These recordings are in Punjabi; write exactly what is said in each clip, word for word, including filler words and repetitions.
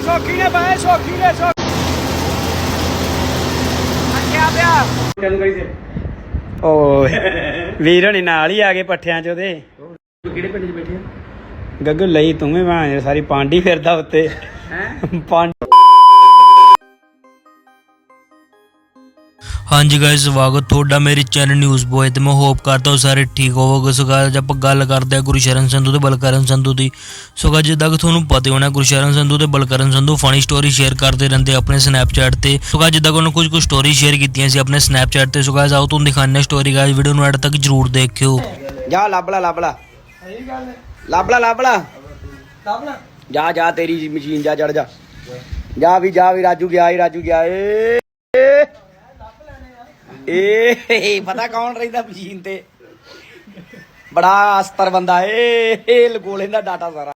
ਸੌਖੀ ਨੇ ਬਾਏ ਸੌਖੀ ਨੇ ਸੌਖੀ ਅੱਛਾ ਪਿਆ ਤੈਨੂੰ ਕਹੀ ਸੇ ਓ ਵੀਰ ਹਣੀ ਨਾਲ ਹੀ ਆ ਗਏ ਪੱਠਿਆਂ ਚ ਉਹਦੇ ਕਿਹੜੇ ਪਿੰਡ ਚ ਬੈਠੇ ਆ ਗੱਗੂ ਲਈ ਤੂੰ ਵੀ ਭਾਂ ਸਾਰੀ ਪਾਂਡੀ ਫਿਰਦਾ ਉੱਤੇ ਹੈ ਪਾਂਡੀ। ਹਾਂਜੀ गाइस स्वागत ਤੁਹਾਡਾ ਮੇਰੇ ਚੈਨਲ ਨਿਊਜ਼ ਬੋਏ ਤੇ ਮੈਂ ਹੋਪ ਕਰਦਾ ਹਾਂ ਸਾਰੇ ਠੀਕ ਹੋਵੋਗੇ। ਸੋ गाइस ਆਪਾਂ ਗੱਲ ਕਰਦੇ ਹਾਂ ਗੁਰਸ਼ਰਨ ਸੰਧੂ ਤੇ ਬਲਕਰਨ ਸੰਧੂ ਦੀ। ਸੋ गाइस ਜਿੱਦਾਂ ਕਿ ਤੁਹਾਨੂੰ ਪਤਾ ਹੋਣਾ ਗੁਰਸ਼ਰਨ ਸੰਧੂ ਤੇ Balkaran Sandhu funny story share ਕਰਦੇ ਰਹਿੰਦੇ ਆਪਣੇ ਸਨੈਪਚੈਟ ਤੇ। ਸੋ गाइस ਜਿੱਦਾਂ ਕਿ ਉਹਨਾਂ ਕੁਝ ਕੁ ਸਟੋਰੀ ਸ਼ੇਅਰ ਕੀਤੀਆਂ ਸੀ ਆਪਣੇ ਸਨੈਪਚੈਟ ਤੇ। ਸੋ गाइस ਆਓ ਤੁਹਾਨੂੰ ਦਿਖਾਉਂਦੇ ਸਟੋਰੀ। गाइस ਵੀਡੀਓ ਨੂੰ ਐਡ ਤੱਕ ਜਰੂਰ ਦੇਖਿਓ। ਜਾ ਲੱਭਲਾ ਲੱਭਲਾ ਸਹੀ ਗੱਲ ਹੈ ਲੱਭਲਾ ਲੱਭਲਾ ਲੱਭਲਾ ਜਾ ਜਾ ਤੇਰੀ ਮਸ਼ੀਨ ਜਾ ਚੜ ਜਾ ਜਾ ਵੀ ਜਾ ਵੀ ਰਾਜੂ ਗਿਆ ਈ ਰਾਜੂ ਗਿਆ ਏ ਏ ਪਤਾ ਕੌਣ ਰਹਿੰਦਾ ਮਸ਼ੀਨ ਤੇ ਬੜਾ ਅਸਤਰ ਬੰਦਾ ਏ ਇਹ ਲਗੋ ਲੈਂਦਾ ਡਾਟਾ ਸਾਰਾ।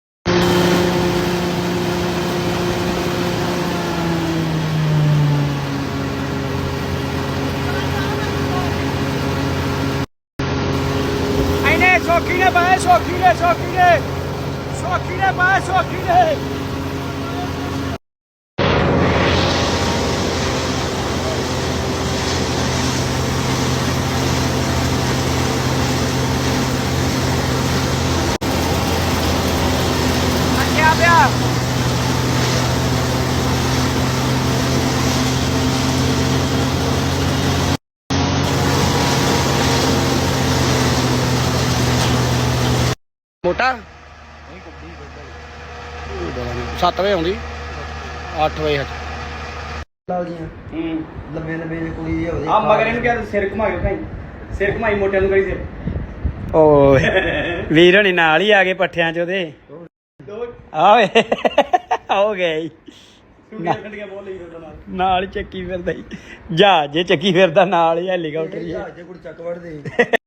ਇਹਨੇ ਸੌਖੀ ਨੇ ਬਾਏ ਸੌਖੀ ਨੇ ਸੌਖੀ ਨੇ ਸੌਖੀ ਨੇ ਬਾਏ ਸੌਖੀ ਨੇ ਪਿਆ ਮੋਟਾ ਸੱਤ ਵਜੇ ਆਉਂਦੀ ਅੱਠ ਵਜੇ ਹੂੰ ਲੰਮੇ ਲੰਮੇ ਕੋਈ ਆ ਮਗਰ ਇਹਨੂੰ ਕਿਹਾ ਸਿਰ ਘੁਮਾ ਕੇ ਖਾਈ ਸਿਰ ਘੁਮਾਈ ਮੋਟਿਆਂ ਨੂੰ ਕਰੀ ਸਿਰ ਓ ਵੀਰ ਹਣੀ ਨਾਲ ਹੀ ਆ ਗਏ ਪੱਠਿਆਂ ਚ ਉਹਦੇ ਆਵੇ ਹੋ ਗਏ ਨਾਲ ਚੱਕੀ ਫਿਰਦਾ ਜਹਾਜ਼ ਜੇ ਚੱਕੀ ਫਿਰਦਾ ਨਾਲ ਹੀ ਹੈਲੀਕਾਪਟਰ ਜਹਾਜ਼ ਕੋਈ ਚੱਕ ਵੜਦੇ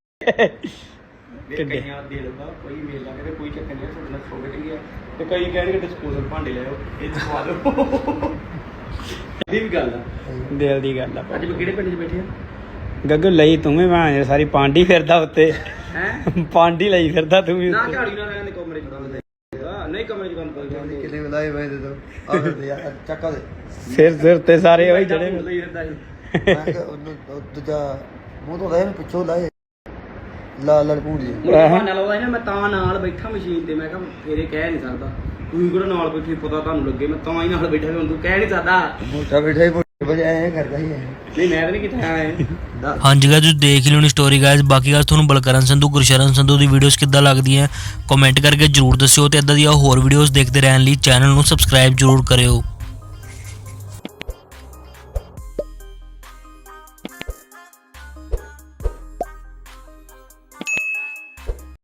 ਕਈਆਂ ਦੇ ਲਗਾ ਕੋਈ ਮੇਲ ਲਾ ਕੇ ਕੋਈ ਚੱਕਰ ਨਹੀਂ ਤੁਹਾਡੇ ਨਾਲ ਸੋਵੇ ਕਰੀਏ ਤੇ ਕਈ ਕਹਿਣਗੇ ਡਿਸਪੋਜ਼ਲ ਭਾਂਡੇ ਲੈ ਆਓ ਇਹ ਚਵਾ ਲਓ ਇਹ ਵੀ ਗੱਲ ਆ ਦਿਲ ਦੀ ਗੱਲ ਆ। ਅੱਜ ਕਿਹੜੇ ਪਿੰਡ 'ਚ ਬੈਠੇ ਆ ਗੱਗੂ ਲਈ ਤੂੰ ਵੀ ਭਾਂ ਸਾਰੀ ਪਾਂਡੀ ਫਿਰਦਾ ਉੱਤੇ ਹੈ ਪਾਂਡੀ ਲਈ ਫਿਰਦਾ ਤੂੰ ਵੀ ਨਾ ਝਾੜੀ ਨਾ ਰਹਿਣ ਦੇ ਕਮਰੇ 'ਚ ਨਹੀਂ ਕਮਰੇ 'ਚ ਕੰਮ ਕਰਦੇ ਕਿੰਨੇ ਲਾਏ ਵੇ ਦੇ ਦੋ ਆ ਫਿਰਦੇ ਯਾਰ ਚੱਕਾ ਦੇ ਸਿਰ ਸਿਰ ਤੇ ਸਾਰੇ ਉਹੀ ਜਿਹੜੇ ਲਈ ਫਿਰਦਾ ਮੈਂ ਉਹਨੂੰ ਦੂਜਾ ਮੂੰਹ ਤੋਂ ਲਾਏ ਪਿੱਛੋਂ ਲਾਏ ਲਾ ਲੜ ਪੂੰਡੀ ਬਹਾਨਾ ਲਾਉਂਦਾ ਨਾ ਮੈਂ ਤਾਂ ਨਾਲ ਬੈਠਾ ਮਸ਼ੀਨ ਤੇ ਮੈਂ ਕਿਹਾ ਫੇਰੇ ਕਹਿ ਨਹੀਂ ਸਕਦਾ ਤੂੰ ਕਿਹੜਾ ਨਾਲ ਬੈਠੀ ਪਤਾ ਤੁਹਾਨੂੰ ਲੱਗੇ ਮੈਂ ਤਾਂ ਹੀ ਨਾਲ ਬੈਠਾ ਹੁਣ ਤੂੰ ਕਹਿ ਨਹੀਂ ਸਕਦਾ ਮੋਟਾ ਬੈਠਾ ਹੀ ਵਜੇ ਐ ਕਰਦਾ ਹੀ ਨਹੀਂ ਮੈਂ ਤਾਂ ਨਹੀਂ ਕੀਤਾ ਐ। ਹਾਂਜੀ गाइस ਤੁਸੀਂ ਦੇਖ ਲਿਓ ਨੀ ਸਟੋਰੀ गाइस। ਬਾਕੀ ਗੱਲ ਤੁਹਾਨੂੰ ਬਲਕਰਨ ਸੰਧੂ ਗੁਰਸ਼ਰਨ ਸੰਧੂ ਦੀ ਵੀਡੀਓਜ਼ ਕਿੱਦਾਂ ਲੱਗਦੀਆਂ ਕਮੈਂਟ ਕਰਕੇ ਜਰੂਰ ਦੱਸਿਓ ਤੇ ਇਦਾਂ ਦੀਆਂ ਹੋਰ ਵੀਡੀਓਜ਼ ਦੇਖਦੇ ਰਹਿਣ ਲਈ ਚੈਨਲ ਨੂੰ ਸਬਸਕ੍ਰਾਈਬ ਜਰੂਰ ਕਰਿਓ।